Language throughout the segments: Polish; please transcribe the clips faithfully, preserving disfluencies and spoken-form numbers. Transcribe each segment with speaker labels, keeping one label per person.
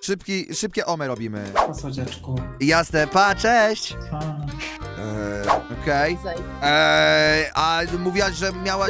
Speaker 1: Szybki, szybkie ome robimy.
Speaker 2: Po słodziaczku.
Speaker 1: Jasne, pa, cześć!
Speaker 2: A.
Speaker 1: Eee, okej. Eee, a mówiłaś, że miałaś...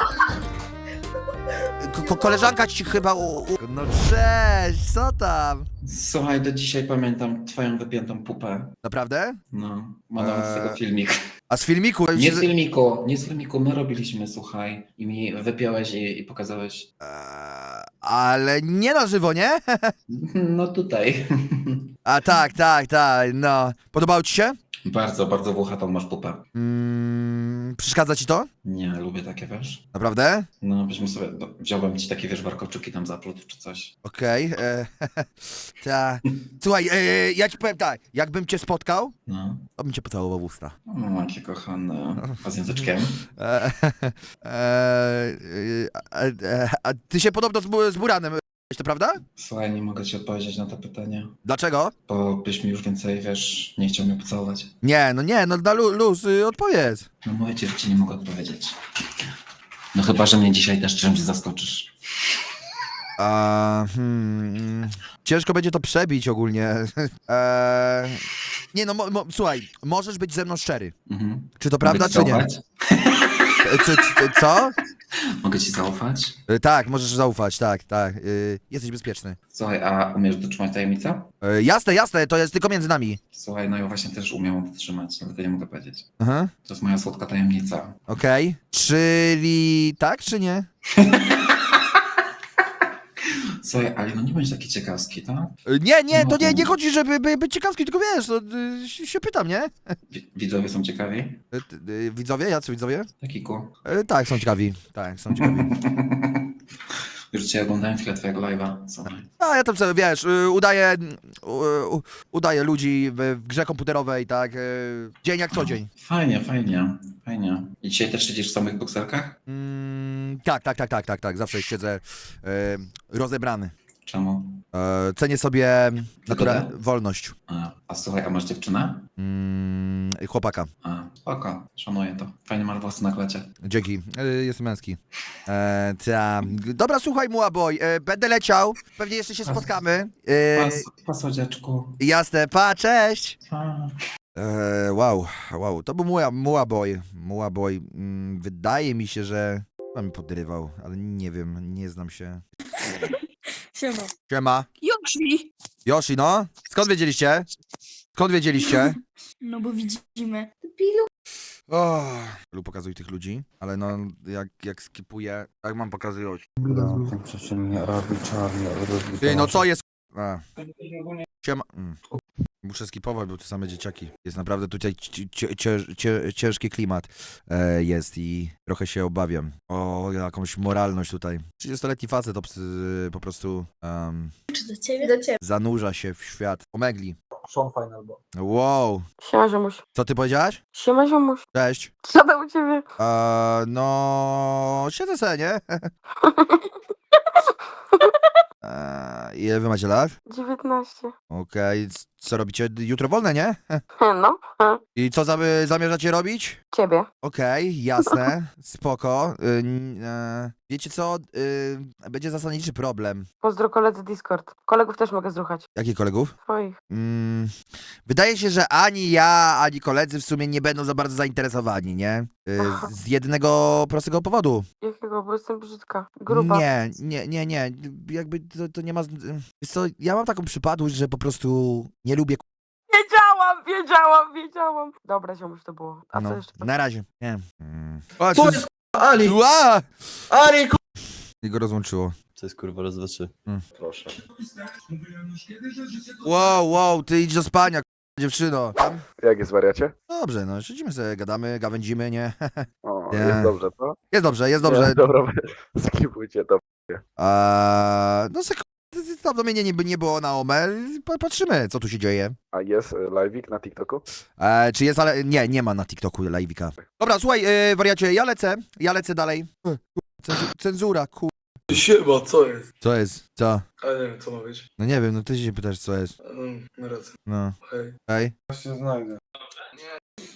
Speaker 1: Ko ko koleżanka ci chyba u, u... No cześć, co tam?
Speaker 2: Słuchaj, do dzisiaj pamiętam twoją wypiętą pupę.
Speaker 1: Naprawdę?
Speaker 2: No, ma nawet z tego
Speaker 1: Eee,
Speaker 2: filmik.
Speaker 1: A z filmiku?
Speaker 2: Nie z filmiku, nie z filmiku, my robiliśmy, słuchaj. I mi wypiąłeś i, i pokazałeś.
Speaker 1: Eee, ale nie na żywo, nie?
Speaker 2: No tutaj.
Speaker 1: A tak, tak, tak, no. Podobało ci się?
Speaker 2: Bardzo, bardzo włochatą masz pupę.
Speaker 1: Mm, przeszkadza ci to?
Speaker 2: Nie, lubię takie, wiesz?
Speaker 1: Naprawdę?
Speaker 2: No, byśmy sobie, no, wziąłem ci takie, wiesz, warkoczyki tam zaplótł czy coś.
Speaker 1: Okej. Okay, ta. Słuchaj, e, ja ci powiem tak, jakbym cię spotkał,
Speaker 2: No.
Speaker 1: to bym cię pocałował w usta.
Speaker 2: O, jakie kochane. A z języczkiem?
Speaker 1: E, e, e, e, a ty się podobno z, Bu- z Buranem, to prawda?
Speaker 2: Słuchaj, nie mogę ci odpowiedzieć na to pytanie,
Speaker 1: Dlaczego?
Speaker 2: bo byś mi już więcej, wiesz, nie chciał mnie pocałować.
Speaker 1: Nie, no nie, no na lu- luz, y, odpowiedz.
Speaker 2: No mówię ci, że ci nie mogę odpowiedzieć. No chyba, że mnie dzisiaj też czymś zaskoczysz.
Speaker 1: A, hmm, ciężko będzie to przebić ogólnie. E, nie no, mo, mo, słuchaj, możesz być ze mną szczery.
Speaker 2: Mhm.
Speaker 1: Czy to prawda,
Speaker 2: Mogę ci
Speaker 1: czy nie?
Speaker 2: zaufać?
Speaker 1: E, Co? co?
Speaker 2: Mogę ci zaufać?
Speaker 1: E, tak, możesz zaufać, tak, tak. E, jesteś bezpieczny.
Speaker 2: Słuchaj, a umiesz dotrzymać tajemnicę?
Speaker 1: E, jasne, jasne, to jest tylko między nami.
Speaker 2: Słuchaj, no ja właśnie też umiem ją dotrzymać, dlatego nie mogę powiedzieć.
Speaker 1: Aha,
Speaker 2: To jest moja słodka tajemnica.
Speaker 1: okej. Czyli tak, czy nie?
Speaker 2: Słuchaj, ale no nie bądź taki ciekawski, tak?
Speaker 1: E, nie, nie, to nie,
Speaker 2: No.
Speaker 1: nie chodzi, żeby by, być ciekawski, tylko wiesz, to, y, się się pytam, nie?
Speaker 2: Wi- Widzowie są ciekawi?
Speaker 1: E, t- y, widzowie, jacy widzowie?
Speaker 2: Taki ku.
Speaker 1: E, tak, są ciekawi, tak, są ciekawi.
Speaker 2: Już dzisiaj oglądałem chwilę twojego live'a. Słuchaj.
Speaker 1: A ja tam sobie, wiesz, y, udaję, y, u- udaję ludzi w, w grze komputerowej, tak, y, dzień jak co dzień.
Speaker 2: Fajnie, fajnie, fajnie. I dzisiaj też siedzisz w samych bokserkach?
Speaker 1: Mm, tak, tak, tak, tak, tak, tak, zawsze siedzę y, rozebrany.
Speaker 2: Czemu?
Speaker 1: E, cenię sobie natura-
Speaker 2: Wygodę?
Speaker 1: wolność.
Speaker 2: A, a słuchaj, a masz dziewczynę?
Speaker 1: Mm, chłopaka.
Speaker 2: A, spoko, szanuję to. Fajnie masz włosy na klecie.
Speaker 1: Dzięki, e, jestem męski. E, ta. Dobra, słuchaj, Muaboy, e, będę leciał, pewnie jeszcze się spotkamy. E,
Speaker 2: Po słodziaczku.
Speaker 1: jasne, pa, cześć!
Speaker 2: Pa.
Speaker 1: E, wow, wow, to był Mua, Muaboy. Muaboy, mm, wydaje mi się, że on mi podrywał, ale nie wiem, nie znam się.
Speaker 3: Siema.
Speaker 1: Siema.
Speaker 3: Yoshi!
Speaker 1: Yoshi, no? Skąd wiedzieliście? Skąd wiedzieliście?
Speaker 3: No bo widzimy.
Speaker 1: O, lub pokazuj tych ludzi, ale no, jak, jak skipuję, jak mam pokazywać?
Speaker 2: No, ten przeciwnie robi czarny, robi
Speaker 1: Ty, no co jest? A. Siema. Mm. Muszę skipować, bo to same dzieciaki. Jest naprawdę tutaj ci- ci- cię- cię- ciężki klimat e, jest i trochę się obawiam o jakąś moralność tutaj. trzydziestoletni facet obs- po prostu um,
Speaker 3: Czy do ciebie? Do ciebie.
Speaker 1: zanurza się w świat. Omegli.
Speaker 4: Sean Final Boy.
Speaker 1: Wow.
Speaker 5: Siema, ziomuś.
Speaker 1: Co ty powiedziałaś?
Speaker 5: Siema, ziomuś.
Speaker 1: Cześć.
Speaker 5: Co tam u ciebie?
Speaker 1: E, no, siedzę se, nie? e, ile wy macie lat?
Speaker 5: dziewiętnaście.
Speaker 1: Okej, c- co robicie? Jutro wolne, nie?
Speaker 5: No, he.
Speaker 1: I co zamy- zamierzacie robić?
Speaker 5: Ciebie.
Speaker 1: Okej, jasne, spoko. Y, n- e, wiecie co? Y, będzie zasadniczy problem.
Speaker 5: Pozdro koledzy Discord. Kolegów też mogę zruchać.
Speaker 1: Jakich kolegów?
Speaker 5: Twoich.
Speaker 1: Mm, wydaje się, że ani ja, ani koledzy w sumie nie będą za bardzo zainteresowani, nie? Y,
Speaker 5: Aha.
Speaker 1: z jednego prostego powodu.
Speaker 5: Jakiego? Bo jestem brzydka. Gruba.
Speaker 1: Nie, nie, nie, nie. Jakby to, to nie ma... z- Wiesz co, ja mam taką przypadłość, że po prostu nie lubię... k-
Speaker 5: Wiedziałam, wiedziałam, wiedziałam. Dobra, ziomuś to było. A co
Speaker 1: No,
Speaker 5: jeszcze?
Speaker 1: na razie. Nie. Mm. O,
Speaker 4: Co
Speaker 1: co-
Speaker 4: jest Ali?
Speaker 1: Ła!
Speaker 4: Ali, ku...
Speaker 1: I go rozłączyło.
Speaker 6: To jest kurwa raz, dwa, trzy.
Speaker 1: Mm.
Speaker 4: Proszę.
Speaker 1: Wow, wow, ty idź do spania, k***a, dziewczyno. Tam?
Speaker 4: Jak jest wariacie?
Speaker 1: Dobrze, no, siedzimy sobie, gadamy, gawędzimy, nie?
Speaker 4: O,
Speaker 1: Nie.
Speaker 4: jest dobrze, co?
Speaker 1: Jest dobrze, jest dobrze.
Speaker 4: Nie, dobra, skipujcie to.
Speaker 1: A, no, sek- dawno mnie nie, nie było na Ome, Pa- patrzymy, co tu się dzieje.
Speaker 4: A jest y, live'ik na TikToku?
Speaker 1: E, czy jest, ale nie, nie ma na TikToku live'ika. Dobra, słuchaj, e, wariacie, ja lecę, ja lecę dalej. E, cenzu- Cenzura, ku...
Speaker 7: Siema, co jest?
Speaker 1: Co jest? Co?
Speaker 7: A nie wiem, co ma być.
Speaker 1: No nie wiem, no ty się pytasz, co jest.
Speaker 7: Um, na razie.
Speaker 1: No,
Speaker 7: Hej.
Speaker 1: hej.
Speaker 4: się znajdę.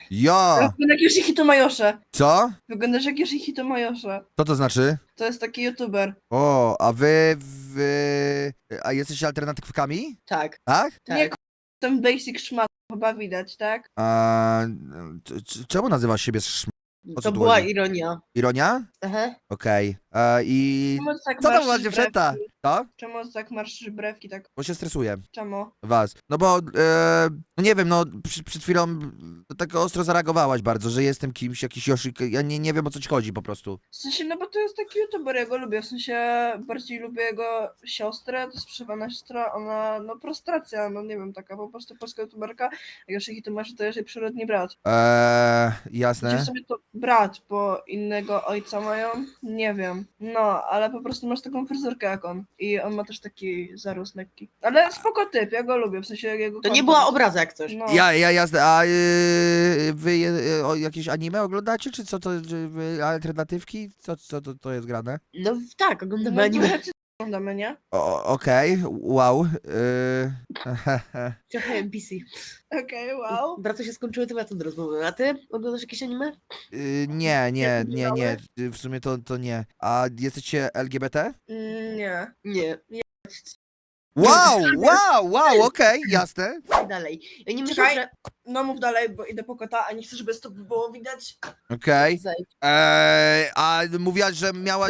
Speaker 1: Ja!
Speaker 6: Wyglądasz jak Yoshihito Majosza.
Speaker 1: Co?
Speaker 6: Wyglądasz jak Yoshihito Majosza.
Speaker 1: Co to znaczy?
Speaker 6: To jest taki youtuber.
Speaker 1: O, a wy, wy... A jesteście alternatywkami?
Speaker 6: Tak.
Speaker 1: Tak?
Speaker 6: Tak. Nie, k- ten basic szmat chyba widać, tak?
Speaker 1: A, c- c- czemu nazywasz siebie szm... O co
Speaker 6: To
Speaker 1: tu
Speaker 6: była
Speaker 1: chodzi?
Speaker 6: ironia.
Speaker 1: Ironia?
Speaker 6: Aha.
Speaker 1: Okej. E, I...
Speaker 6: Czemu tak
Speaker 1: Co tam
Speaker 6: marszysz
Speaker 1: była dziewczęta?
Speaker 6: brewki?
Speaker 1: To?
Speaker 6: Czemu tak marszysz brewki, tak?
Speaker 1: Bo się stresuję.
Speaker 6: Czemu?
Speaker 1: Was. No bo, e, no nie wiem, no przy, przed chwilą tak ostro zareagowałaś bardzo, że jestem kimś, jakiś Yoshi, ja nie, nie wiem o co ci chodzi po prostu.
Speaker 6: W sensie, no bo to jest taki youtuber, ja go lubię. W sensie, bardziej lubię jego siostrę, to jest przewana siostra, ona, no prostracja, no nie wiem, taka po prostu polska youtuberka. A Yoshihito Masz to jest jej przyrodni brat.
Speaker 1: Eee,
Speaker 6: Gdzie
Speaker 1: jasne.
Speaker 6: w sobie to brat, bo innego ojca mają? Nie wiem. No, ale po prostu masz taką fryzurkę jak on. I on ma też taki zaróz lekki. Ale spoko typ, ja go lubię, w sensie jego
Speaker 5: To nie
Speaker 6: content.
Speaker 5: była obraza jak coś.
Speaker 6: No.
Speaker 1: Ja, ja, jasne, a yy, wy yy, o, jakieś anime oglądacie, czy co to, czy wy alternatywki? Co, co to, to jest grane?
Speaker 5: No tak, oglądamy
Speaker 6: No,
Speaker 5: anime.
Speaker 6: trochę oglądamy, nie?
Speaker 1: O, okej, wow. Yy,
Speaker 5: Trochę N P C.
Speaker 6: Okej, wow.
Speaker 5: Brato się skończyły tematy do rozmowy. A ty oglądasz jakieś anime?
Speaker 1: yy, nie, nie, nie, nie, yy, w sumie to, to nie. A jesteście L G B T?
Speaker 6: Mm, nie.
Speaker 5: Nie.
Speaker 1: Wow, wow, wow, okej, jasne.
Speaker 5: I dalej. Ja nie myślę,
Speaker 6: Czekaj.
Speaker 5: że...
Speaker 6: No mów dalej, bo idę po kota, a nie chcę, żeby to było widać.
Speaker 1: Okej.
Speaker 5: Zejdź.
Speaker 1: Eee, a mówiłaś, że miałaś...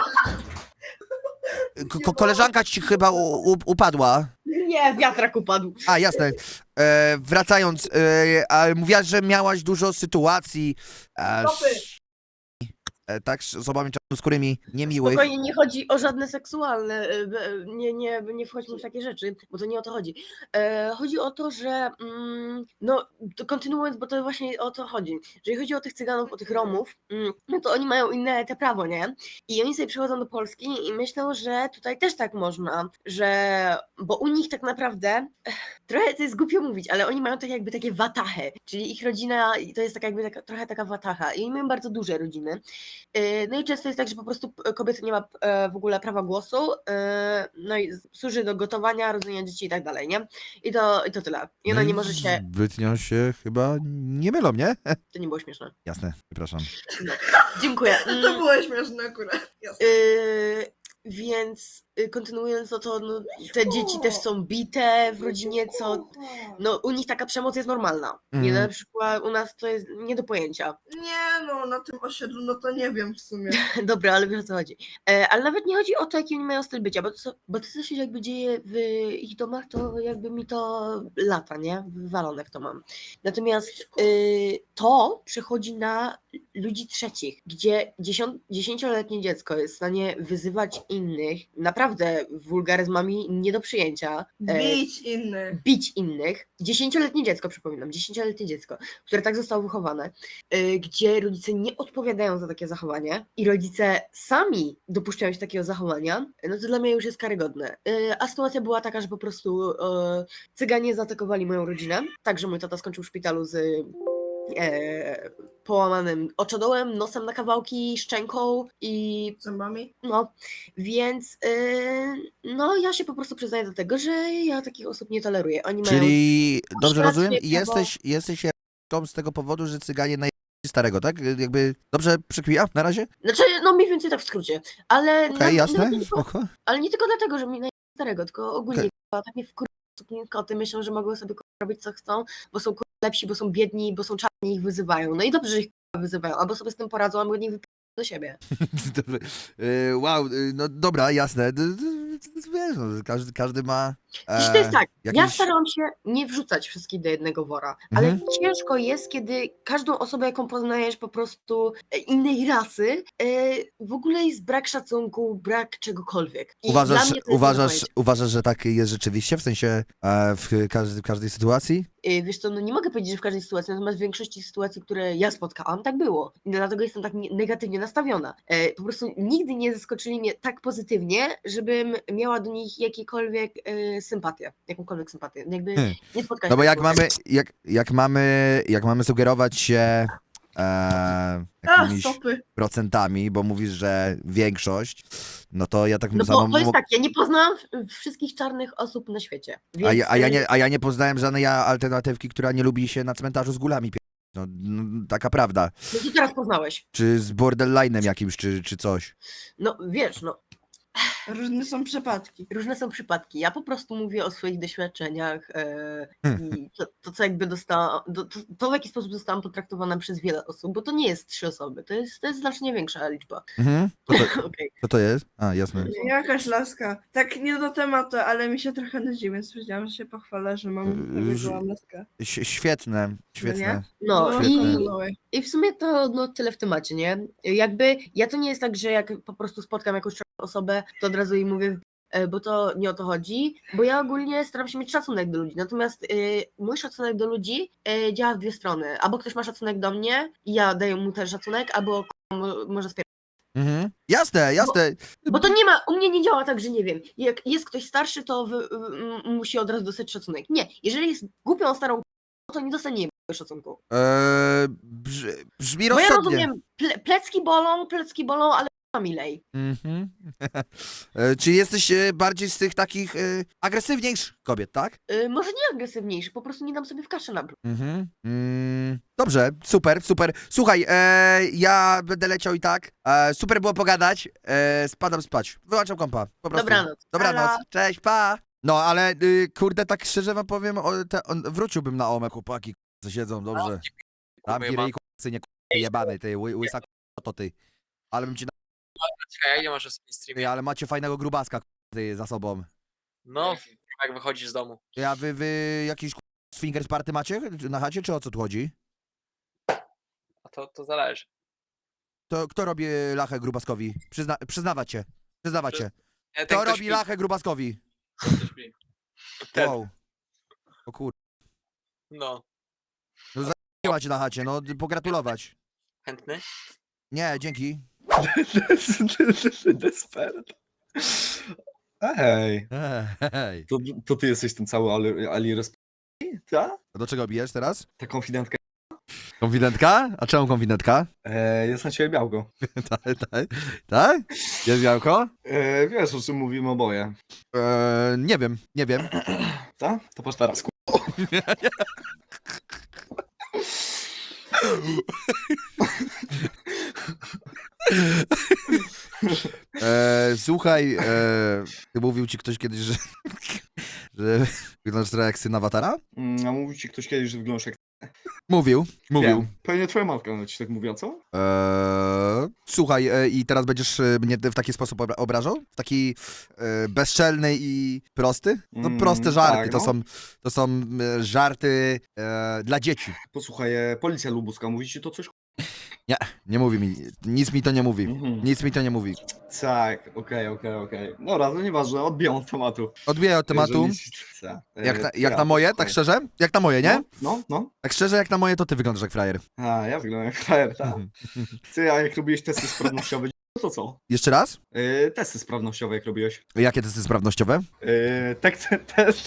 Speaker 1: Ko- ko- koleżanka ci chyba u- u- upadła.
Speaker 5: Nie, wiatrak upadł.
Speaker 1: A, jasne. E, wracając, e, a mówiłaś, że miałaś dużo sytuacji e,
Speaker 6: Stopy.
Speaker 1: sz- e, tak, z osobami czarnoskórymi, niemiłych.
Speaker 5: Spokojnie, nie chodzi o żadne seksualne, e, e, nie, nie, nie wchodźmy w takie rzeczy, bo to nie o to chodzi. E, chodzi o to, że mm, no, to kontynuując, bo to właśnie o to chodzi, że jeżeli chodzi o tych Cyganów, o tych Romów, mm, no to oni mają inne te prawo, nie? I oni sobie przychodzą do Polski i myślą, że tutaj też tak można, że, bo u nich tak naprawdę, ech, trochę to jest głupio mówić, ale oni mają tak jakby takie watachy, czyli ich rodzina to jest tak jakby taka, trochę taka watacha i oni mają bardzo duże rodziny. E, No i często jest tak, że po prostu kobieta nie ma e, w ogóle prawa głosu, e, no i służy do gotowania, rodzenia dzieci i tak dalej, nie? I to, i to tyle. I ona nie może się...
Speaker 1: Zbytnio się chyba nie mylą, nie?
Speaker 5: To nie było śmieszne.
Speaker 1: Jasne, przepraszam.
Speaker 5: Dziękuję.
Speaker 6: To
Speaker 5: Mm,
Speaker 6: było śmieszne akurat. Jasne.
Speaker 5: y, więc y, kontynuując to, to no, te dzieci też są bite w rodzinie, co... No u nich taka przemoc jest normalna. Nie,
Speaker 1: Mhm.
Speaker 5: na przykład u nas to jest nie do pojęcia.
Speaker 6: Nie no, na tym osiedlu, no to nie wiem w sumie.
Speaker 5: Dobra, ale wiesz o co chodzi. E, ale nawet nie chodzi o to, jaki oni mają styl bycia, bo to, co- bo to co się jakby dzieje w ich domach, to jakby mi to lata, nie? Wywalone w to mam. Natomiast y, to przechodzi na ludzi trzecich, gdzie dziesiąt, dziesięcioletnie dziecko jest w stanie wyzywać innych, naprawdę wulgaryzmami nie do przyjęcia. e,
Speaker 6: Bić innych.
Speaker 5: bić innych. Dziesięcioletnie dziecko, przypominam, dziesięcioletnie dziecko, które tak zostało wychowane, y, gdzie rodzice nie odpowiadają za takie zachowanie i rodzice sami dopuszczają się takiego zachowania, no to dla mnie już jest karygodne. Y, a sytuacja była taka, że po prostu y, Cyganie zaatakowali moją rodzinę, tak, że mój tata skończył w szpitalu z e, połamanym oczodołem, nosem na kawałki, szczęką i
Speaker 6: Zębami?
Speaker 5: no, więc yy, no ja się po prostu przyznaję do tego, że ja takich osób nie toleruję. Oni mają...
Speaker 1: Czyli, dobrze
Speaker 5: rację,
Speaker 1: rozumiem,
Speaker 5: prawo.
Speaker 1: jesteś, jesteś tą z tego powodu, że Cyganie naj... starego, tak? Jakby, dobrze przekmija na razie?
Speaker 5: Znaczy, no mniej więcej tak w skrócie, ale...
Speaker 1: Okej,
Speaker 5: na-
Speaker 1: jasne,
Speaker 5: nawet nie-
Speaker 1: spoko.
Speaker 5: Ale nie tylko dlatego, że mi naj starego, tylko ogólnie
Speaker 1: Okej.
Speaker 5: okay. tak mnie wkur... koty myślą, że mogą sobie kurwa, robić co chcą, bo są kurwa, lepsi, bo są biedni, bo są czarni i ich wyzywają. No i dobrze, że ich kurwa, wyzywają, albo sobie z tym poradzą, albo nie wypadają do siebie.
Speaker 1: Dobrze. E, wow, e, no dobra, jasne. D- d- Wiesz, no, każdy, każdy ma...
Speaker 5: Dziś to jest tak, ja
Speaker 1: jakiś-
Speaker 5: starałam się nie wrzucać wszystkich do jednego wora, ale
Speaker 1: Mhm.
Speaker 5: ciężko jest, kiedy każdą osobę, jaką poznajesz po prostu e, innej rasy, e, w ogóle jest brak szacunku, brak czegokolwiek. I dla
Speaker 1: Uważasz,
Speaker 5: mnie to jest
Speaker 1: uważasz,
Speaker 5: nie do
Speaker 1: uważasz, że tak jest rzeczywiście, w sensie e, w, każdy, w każdej sytuacji?
Speaker 5: pojęcia. E, Wiesz co, no nie mogę powiedzieć, że w każdej sytuacji, natomiast w większości sytuacji, które ja spotkałam, tak było. I dlatego jestem tak nie- negatywnie nastawiona. E, Po prostu nigdy nie zaskoczyli mnie tak pozytywnie, żebym miała do nich jakiekolwiek e, sympatię, jakąkolwiek sympatię. Jakby
Speaker 1: Hmm.
Speaker 5: nie spotkałam
Speaker 1: No bo
Speaker 5: się
Speaker 1: jak
Speaker 5: z taką-
Speaker 1: mamy, jak, jak mamy, jak mamy sugerować się e,
Speaker 6: A,
Speaker 1: jakimiś
Speaker 6: stopy.
Speaker 1: procentami, bo mówisz, że większość, no to ja tak
Speaker 5: No
Speaker 1: za-
Speaker 5: bo to
Speaker 1: mo-
Speaker 5: jest tak, ja nie poznałam w- wszystkich czarnych osób na świecie. Więc,
Speaker 1: a, ja, a, ja
Speaker 5: y,
Speaker 1: nie, a ja nie poznałem żadnej alternatywki, która nie lubi się na cmentarzu z gulami. No, no, taka prawda.
Speaker 5: No to teraz poznałeś.
Speaker 1: Czy z borderline'em jakimś, czy, czy coś.
Speaker 5: No wiesz, no
Speaker 6: Różne są przypadki.
Speaker 5: różne są przypadki. Ja po prostu mówię o swoich doświadczeniach e,
Speaker 1: Hmm.
Speaker 5: i to, to, co jakby dostałam, to, to, to w jaki sposób zostałam potraktowana przez wiele osób, bo to nie jest trzy osoby, to jest, to jest znacznie większa liczba.
Speaker 1: Mhm. Co to,
Speaker 5: Okej.
Speaker 1: co to jest? A, jasne.
Speaker 6: Jakaś laska. Tak nie do tematu, ale mi się trochę nudzi, więc powiedziałam, że się pochwalę, że mam
Speaker 1: Yy,
Speaker 6: wybyłam laskę.
Speaker 1: Ś- świetne, świetne.
Speaker 5: No
Speaker 6: No,
Speaker 5: i,
Speaker 6: kontynuuj.
Speaker 5: i w sumie to no, tyle w temacie, nie? Jakby ja to nie jest tak, że jak po prostu spotkam jakąś osobę, to od razu jej mówię, e, bo to nie o to chodzi, bo ja ogólnie staram się mieć szacunek do ludzi, natomiast y, mój szacunek do ludzi y, działa w dwie strony. Albo ktoś ma szacunek do mnie i ja daję mu ten szacunek, albo k***a, mo- może spier...
Speaker 1: Mhm. Jasne, jasne.
Speaker 5: Bo to nie ma, u mnie nie działa tak, że nie wiem, jak jest ktoś starszy, to wy, y, musi od razu dostać szacunek. Nie, jeżeli jest głupią starą k***ą, to nie dostanie szacunku.
Speaker 1: Eee, brz, brzmi
Speaker 5: Bo ja
Speaker 1: rozsądnie.
Speaker 5: rozumiem, ple, plecki bolą, plecki bolą, ale k***a milej.
Speaker 1: Mhm. E, Czy jesteś e, bardziej z tych takich e, agresywniejszych kobiet, tak?
Speaker 5: Y, może nie agresywniejszy, po prostu nie dam sobie w kaszę na brzuch.
Speaker 1: Mhm. Mm, dobrze, super, super. Słuchaj, e, ja będę leciał i tak. E, super było pogadać. E, spadam spać. Wyłączam kompa. Po prostu.
Speaker 5: Dobranoc.
Speaker 1: Dobranoc.
Speaker 5: Elo.
Speaker 1: Cześć, pa. No, ale y, kurde, tak szczerze wam powiem, o, te, on, wróciłbym na Omę, chłopaki, co siedzą, dobrze. Tam i synie, jebany, ty, ły, łysa k***a, to ty. Ale bym ci na...
Speaker 8: Czekaj, a ile masz w swoim
Speaker 1: Ty,
Speaker 8: streamie?
Speaker 1: ale macie fajnego grubaska, k***a, ty, za sobą.
Speaker 8: No, jak wychodzisz z domu.
Speaker 1: Ja, wy, wy jakiś k***a, swingers party macie na chacie, czy o co tu chodzi?
Speaker 8: A to, to zależy.
Speaker 1: To kto robi lachę grubaskowi? Przyzna, przyznawać się, przyznawać się.
Speaker 8: Nie, ten
Speaker 1: Kto
Speaker 8: ktoś
Speaker 1: robi
Speaker 8: pi-
Speaker 1: lachę grubaskowi?
Speaker 8: ten ktoś pi. Ten.
Speaker 1: Wow. O kur...
Speaker 8: No,
Speaker 1: Nie macie na chacie, no pogratulować.
Speaker 8: chętny?
Speaker 1: Nie, dzięki.
Speaker 9: Desperat. Ej,
Speaker 1: Hej.
Speaker 9: to, to ty jesteś ten cały Ali, Ali Resp... Ta?
Speaker 1: A do czego bijesz teraz?
Speaker 9: Ta konfidentka.
Speaker 1: Konfidentka? A czemu konfidentka?
Speaker 9: E, jest na ciebie białko.
Speaker 1: Tak, tak. Tak? Jest białko?
Speaker 9: E, wiesz, o czym mówimy oboje.
Speaker 1: Eee, nie wiem, nie wiem.
Speaker 9: Ta? To patrz teraz. ku-
Speaker 1: Eee, słuchaj, eee, mówił ci ktoś kiedyś, że, że wyglądasz trochę jak syn awatara?
Speaker 9: Mm, a mówił ci ktoś kiedyś, że wyglądasz jak...
Speaker 1: Mówił, mówił.
Speaker 9: Wiem. Pewnie twoja matka ci tak mówiła, co?
Speaker 1: Eee, słuchaj, e, i teraz będziesz e, mnie w taki sposób obra- obrażał? W taki e, bezczelny i prosty? No
Speaker 9: Mm,
Speaker 1: proste żarty,
Speaker 9: tak,
Speaker 1: to
Speaker 9: no.
Speaker 1: są, to są e, żarty e, dla dzieci.
Speaker 9: Posłuchaj, e, policja lubuska, mówi ci to coś?
Speaker 1: Nie mówi mi, nic mi to nie mówi.
Speaker 9: Mhm.
Speaker 1: Nic mi to nie mówi.
Speaker 9: Tak, okej, okej, okej. Dobra, to nieważne, odbijam od tematu.
Speaker 1: Odbiję od tematu.
Speaker 9: Jeżeli ci- ta, e,
Speaker 1: Jak na,
Speaker 9: to
Speaker 1: jak
Speaker 9: ja,
Speaker 1: na moje,
Speaker 9: posłuchaj.
Speaker 1: tak szczerze? Jak na moje, nie?
Speaker 9: No, no, no.
Speaker 1: Tak szczerze, jak na moje, to ty wyglądasz jak frajer.
Speaker 9: A, ja wyglądam jak frajer, tak. Ty, a jak robiłeś testy sprawnościowe, to co?
Speaker 1: Jeszcze raz?
Speaker 9: Yy, testy sprawnościowe jak robiłeś?
Speaker 1: Jakie testy sprawnościowe?
Speaker 9: Yy, tak, te, test...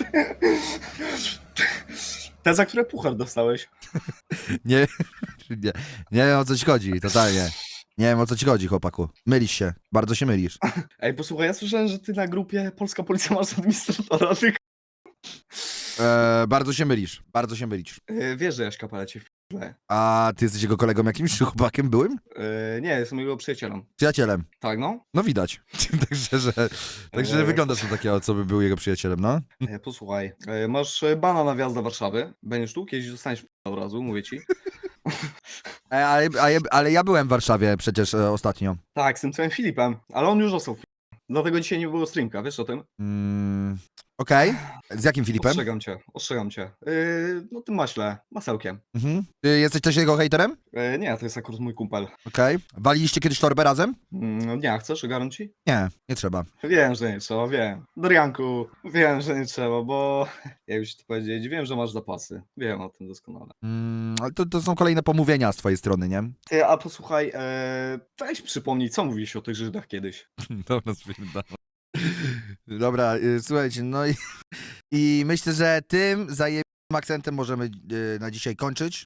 Speaker 9: Te, za które puchar dostałeś.
Speaker 1: Nie, nie, nie wiem o co ci chodzi, totalnie. Nie wiem o co ci chodzi, chłopaku. Mylisz się, bardzo się mylisz.
Speaker 9: Ej, posłuchaj, ja słyszałem, że ty na grupie Polska Policja masz administratora, ty...
Speaker 1: E, bardzo się mylisz, bardzo się mylisz.
Speaker 9: Yy, wiesz, że Jaśka palecie w p***le.
Speaker 1: A ty jesteś jego kolegą jakimś, czy chłopakiem byłym?
Speaker 9: Yy, nie, jestem jego przyjacielem.
Speaker 1: Przyjacielem.
Speaker 9: Tak, no?
Speaker 1: No widać. Także, że, także
Speaker 9: Eee.
Speaker 1: wyglądasz na takiego, co by był jego przyjacielem, no.
Speaker 9: Yy, posłuchaj, yy, masz e, bana na wjazd do Warszawy. Będziesz tu, kiedyś dostaniesz p- od razu, mówię ci.
Speaker 1: E, ale, ale, ale ja byłem w Warszawie przecież e, ostatnio.
Speaker 9: Tak, z tym twoim Filipem, ale on już został w p- Dlatego dzisiaj nie było streamka, wiesz o tym?
Speaker 1: Mm, Okej. Z jakim Filipem?
Speaker 9: Ostrzegam cię, ostrzegam cię. Yy, no tym maśle, masełkiem.
Speaker 1: Mhm. Ty jesteś też jego hejterem?
Speaker 9: Yy, nie, to jest akurat mój kumpel.
Speaker 1: Okej. Waliliście kiedyś torbę razem?
Speaker 9: Mm, nie, chcesz, ogarnąć ci?
Speaker 1: Nie, nie trzeba.
Speaker 9: Wiem, że nie trzeba, wiem. Dorianku, wiem, że nie trzeba, bo jak już ci powiedzieć, wiem, że masz zapasy. Wiem o tym doskonale.
Speaker 1: Mm, ale to, to są kolejne pomówienia z twojej strony, nie?
Speaker 9: Ty, a posłuchaj, e, weź przypomnij, co mówiłeś o tych Żydach kiedyś.
Speaker 1: Dobra, spierdam. Dobra, y, słuchajcie, no i, i myślę, że tym zajebistym akcentem możemy y, na dzisiaj kończyć.